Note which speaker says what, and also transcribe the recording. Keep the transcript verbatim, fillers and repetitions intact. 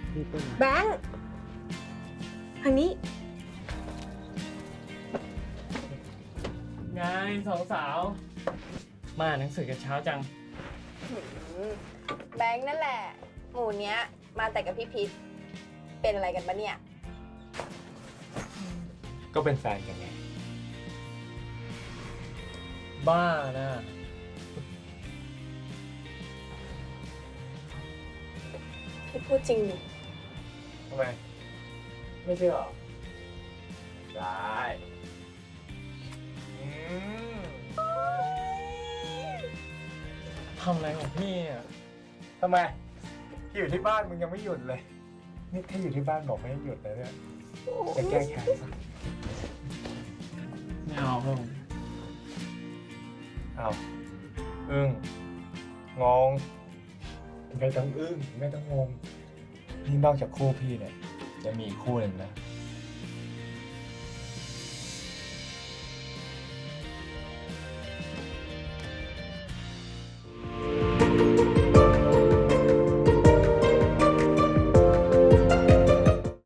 Speaker 1: พี่เป็น
Speaker 2: แบงค์ทางนี้
Speaker 3: ไงสองสาว มาหนังสือกันเช้าจัง
Speaker 2: แบงค์นั่นแหละ หมู่เนี้ย มาแต่กับพี่พิษเป็นอะไรกันปะเนี่ย
Speaker 4: ก็เป็นแฟนกันไง
Speaker 3: บ้านะ
Speaker 2: พี่พูดจริงดิ
Speaker 4: ทำไม ไม่เชื่อหรอ ได้ อืม
Speaker 3: ทำอะไรของพี่อ่ะ
Speaker 4: ทำไมอยู่ที่บ้านมึงยังไม่หยุดเลย นี่ถ้าอยู่ที่บ้านบอกไม่ให้หยุดเลยเนี่ยจะแก้แค้นปะ
Speaker 3: ไม่เอาผม
Speaker 4: อ้าวอึ้งงงไม่ต้องอึ้งไม่ต้องงงนี่นอกจากคู่พี่เนี่ยจะมีอีกคู่หนึ่งนะ